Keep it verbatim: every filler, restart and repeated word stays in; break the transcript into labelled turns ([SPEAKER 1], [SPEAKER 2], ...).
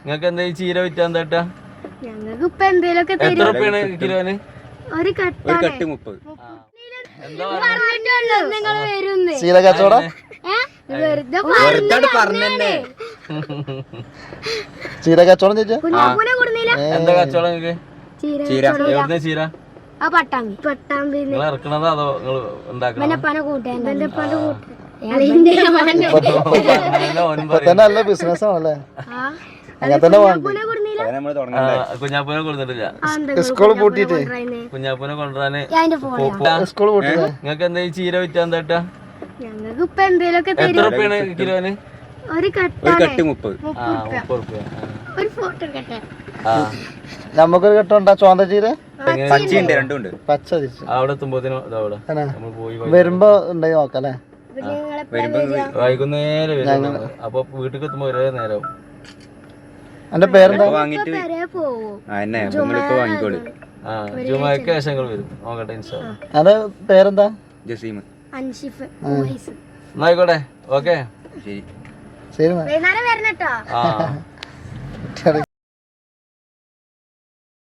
[SPEAKER 1] നിങ്ങൾക്ക് എന്താ ഈ ചീര വിറ്റാൻ എന്താ?
[SPEAKER 2] ഞങ്ങൾക്ക് ഇപ്പൊ എന്തേലൊക്കെ
[SPEAKER 1] എത്ര റുപ്യാണ് കിലോന്?
[SPEAKER 2] ഒരു കട്ട്
[SPEAKER 3] മുപ്പത്.
[SPEAKER 2] നിങ്ങൾ വരുന്നേ
[SPEAKER 4] ചീര കച്ചവടം
[SPEAKER 2] വെറുതെ
[SPEAKER 3] പറഞ്ഞേ.
[SPEAKER 4] ചീര കച്ചവടം ചോദിച്ചാ
[SPEAKER 2] കുഞ്ഞാപ്പൂനെ കൊടുന്നില്ല.
[SPEAKER 1] എന്താ കച്ചവടം നിങ്ങക്ക്?
[SPEAKER 3] ചീര
[SPEAKER 1] എവിടുന്ന ചീര?
[SPEAKER 2] ആ പട്ടാമ്പി പട്ടാമ്പി
[SPEAKER 1] നിങ്ങൾ ഇറക്കണതോ അതോ നിങ്ങൾ ഉണ്ടാക്കണോ?
[SPEAKER 4] ഇപ്പൊ തന്നെ നല്ല ബിസിനസ് ആണല്ലേ. അങ്ങനെ തന്നെ വേണ്ടി
[SPEAKER 1] കുഞ്ഞാപ്പൂനെ കൊടുത്തിട്ടില്ല.
[SPEAKER 4] സ്കൂൾ പൂട്ടിട്ട്
[SPEAKER 1] കുഞ്ഞാപ്പൂനെ കൊണ്ടുവരാന്
[SPEAKER 4] സ്കൂൾ പൂട്ടിട്ട്
[SPEAKER 1] നിങ്ങൾക്ക് എന്താ ഈ ചീര വിറ്റാൻ എന്താ?
[SPEAKER 2] ഞങ്ങൾക്ക് ഇപ്പൊ എന്തേലൊക്കെ
[SPEAKER 1] എത്ര റുപ്യാണ് കിലോന്?
[SPEAKER 2] ഒരു കട്ട്
[SPEAKER 3] മുപ്പത്.
[SPEAKER 1] ആ മുപ്പത് റുപ്യ.
[SPEAKER 2] ഒരു ഫോട്ടോ കട്ടെ
[SPEAKER 1] ആ
[SPEAKER 4] നമുക്കൊരു കെട്ടുണ്ടാ ചോന്ത ചീര
[SPEAKER 3] പച്ചയുണ്ട്, രണ്ടുണ്ട്.
[SPEAKER 4] പച്ച തിരിച്ചു
[SPEAKER 1] അവിടെ എത്തുമ്പോഴത്തേനും അവിടെ നമ്മൾ പോയി
[SPEAKER 4] വരുമ്പോ ഉണ്ടായി നോക്കല്ലേ.
[SPEAKER 1] വൈകുന്നേരം വരും. അപ്പൊ വീട്ടിൽ എത്തുമ്പോ ഒരേ നേരം.
[SPEAKER 4] എന്റെ പേരെന്താ?
[SPEAKER 3] വാങ്ങിട്ട് വാങ്ങിക്കോളൂ.
[SPEAKER 1] ആ ജുമാക്ക് ശേഷങ്ങൾ വരും. നോക്കട്ടെ ഇൻഷാ അല്ലാഹ്.
[SPEAKER 4] എന്റെ പേരെന്താ?
[SPEAKER 3] ജസീം.
[SPEAKER 2] അൻഷിഫ്
[SPEAKER 1] എന്നായിക്കോട്ടെ. ഓക്കെ
[SPEAKER 3] ശരി
[SPEAKER 4] ശരി.
[SPEAKER 2] വൈകുന്നേരം വരണട്ടോ.
[SPEAKER 1] ആ